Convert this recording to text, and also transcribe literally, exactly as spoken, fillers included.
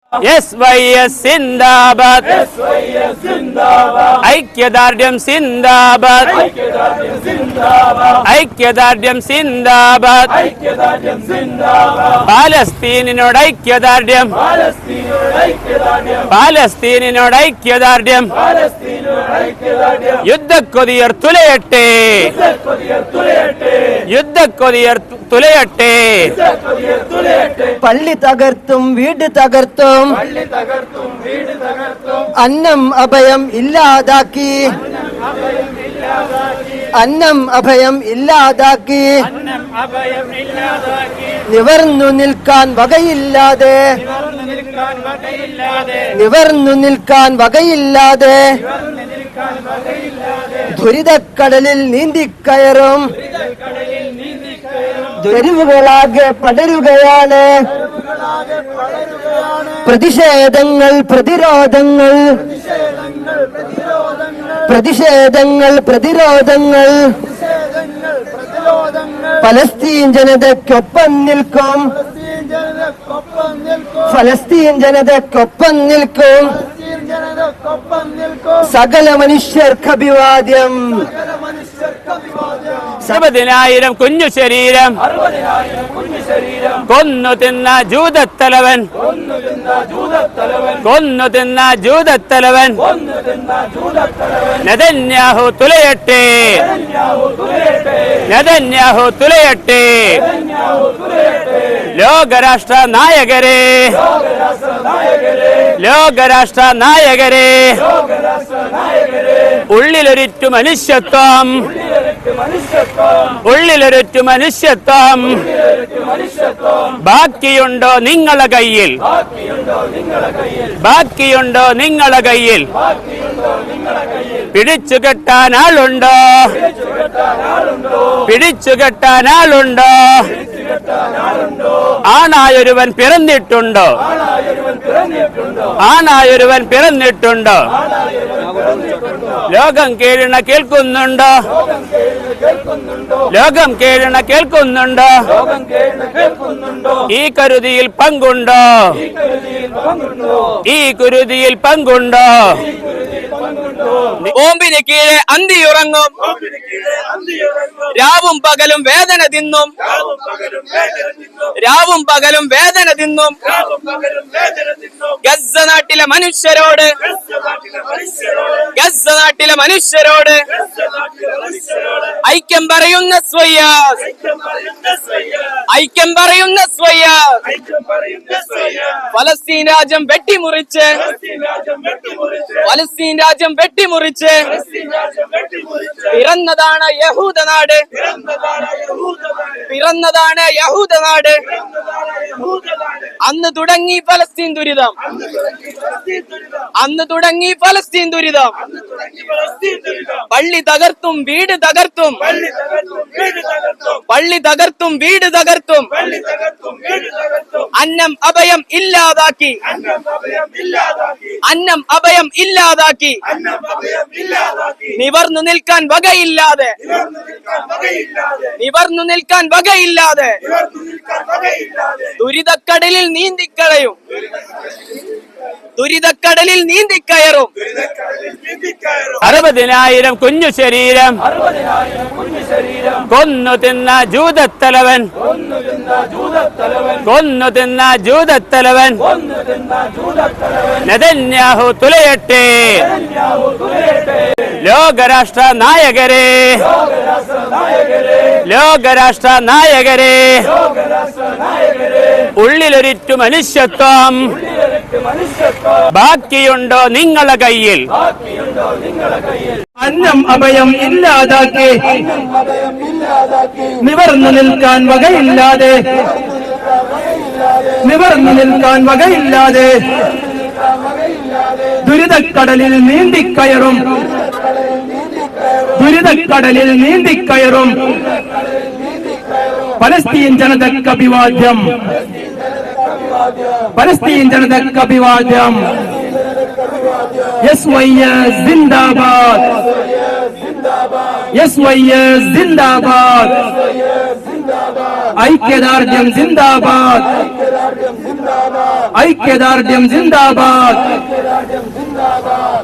S Y S സിന്ദാബാദ്, ഐക്യദാർഢ്യം സിന്ദാബാദ്, ഐക്യദാർഢ്യം സിന്ദാബാദ്, പാലസ്തീനിനോട് ഐക്യദാർഢ്യം, പാലസ്തീനിനോട് ഐക്യദാർഢ്യം, യുദ്ധക്കൊതിയർ തുലയട്ടെ, യുദ്ധക്കൊതിയർ തുലയട്ടെ. പള്ളി തകർത്തും വീട് തകർത്തും അന്നം അഭയം ഇല്ലാതാക്കി, അന്നം അഭയം ഇല്ലാതാക്കി, നിവർന്നു നിൽക്കാൻ വകയില്ലാതെ, നിവർന്നു നിൽക്കാൻ വകയില്ലാതെ ദുരിതക്കടലിൽ നീന്തിക്കയറും, തെരുവുകളാകെ പടരുകയാണ് പ്രതിഷേധങ്ങൾ, പ്രതിരോധങ്ങൾ, പ്രതിഷേധങ്ങൾ, പ്രതിരോധങ്ങൾ. ഫലസ്തീൻ ജനതയ്ക്കൊപ്പം നിൽക്കും, ഫലസ്തീൻ ജനതയ്ക്കൊപ്പം നിൽക്കും. സകല മനുഷ്യർക്ക് അഭിവാദ്യം. അറുപതിനായിരം കുഞ്ഞു ശരീരം കൊന്നു തിന്ന ജൂതത്തലവൻ, കൊന്നു തിന്ന ജൂതത്തലവൻ നെതന്യാഹു തുലയട്ടെ, നെതന്യാഹു തുലയട്ടെ. ലോകരാഷ്ട്ര നായകരെ, ലോകരാഷ്ട്ര നായകരെ, ഉള്ളിലൊരിറ്റു മനുഷ്യത്വം, ഉള്ളിലൊരിറ്റു മനുഷ്യത്വം ബാക്കിയുണ്ടോ നിങ്ങളെ കയ്യിൽ, ബാക്കിയുണ്ടോ നിങ്ങളെ കയ്യിൽ? പിടിച്ചു കെട്ടാൻ ആളുണ്ടോ, പിടിച്ചു കെട്ടാൻ ആളുണ്ടോ? ആണായൊരുവൻ പിറന്നിട്ടുണ്ടോ, ആണായൊരുവൻ പിറന്നിട്ടുണ്ടോ? ലോകം കേഴണ കേൾക്കുന്നുണ്ടോ, ലോകം കേഴണ കേൾക്കുന്നുണ്ടോ? ഈ കരുതിയിൽ പങ്കുണ്ടോ, ഈ കുരുതിയിൽ പങ്കുണ്ടോ? ബോംബിന് കീഴെ അന്തിയുറങ്ങും, രാവും പകലും വേദന തിന്നും, രാവും പകലും വേദന തിന്നും. ഗസ്സ നാട്ടിലെ മനുഷ്യരോട്, ഗസ്സ നാട്ടിലെ മനുഷ്യരോട് ഐക്യം പറയുന്ന സ്വയ്യാസ്, ഐക്യം പറയുന്ന സ്വയ്യാസ്. ഫലസ്തീൻ രാജ്യം വെട്ടിമുറിച്ച്, ഫലസ്തീൻ രാജ്യം വെട്ടിമുറിച്ച് പിറന്നതാണ് യഹൂദനാട്, പിറന്നതാണ് യഹൂദനാട്. അന്ന് തുടങ്ങി ഫലസ്തീൻ ദുരിതം, അന്ന് തുടങ്ങി ഫലസ്തീൻ ദുരിതം. പള്ളി തകർത്തും വീട് തകർത്തും, പള്ളി തകർത്തും വീട് തകർത്തും അന്നം അഭയം ഇല്ലാതാക്കി, അന്നം അഭയം ഇല്ലാതാക്കി. നിവർന്നു നിൽക്കാൻ വകയില്ലാതെ, നിവർന്നു നിൽക്കാൻ വകയില്ലാതെ ദുരിതക്കടലിൽ നീന്തിക്കളയും, ദുരിതക്കടലിൽ നീന്തിക്കയറും. അറുപതിനായിരം കുഞ്ഞു ശരീരം കൊന്നു തിന്ന ജൂതത്തലവൻ, കൊന്നു തിന്ന ജൂതത്തലവൻ നെതന്യാഹു തുലയട്ടെ. ലോകരാഷ്ട്ര നായകരെ, ലോകരാഷ്ട്ര നായകരെ, ഉള്ളിലൊരിറ്റു മനുഷ്യത്വം ബാക്കിയുണ്ടോ നിങ്ങളെ കയ്യിൽ? അന്നം അഭയം ഇല്ലാതാക്കി, നിവർന്നു നിൽക്കാൻ വകയില്ലാതെ, നിവർന്നു നിൽക്കാൻ വകയില്ലാതെ ദുരിതക്കടലിൽ നീന്തിക്കയറും, ദുരിതക്കടലിൽ നീന്തിക്കയറും. പലസ്തീൻ ജനതയ്ക്ക് അഭിവാദ്യം, പലസ്തീൻ ജനതയ്ക്ക് അഭിവാദ്യം. എസ് വൈ എസ് ജിന്ദാബാദ്, എസ് വൈ എസ് ജിന്ദാബാദ്, ഐക്യദാർഢ്യം ജിന്ദാബാദ്, ഐക്യദാർഢ്യം ജിന്ദാബാദ്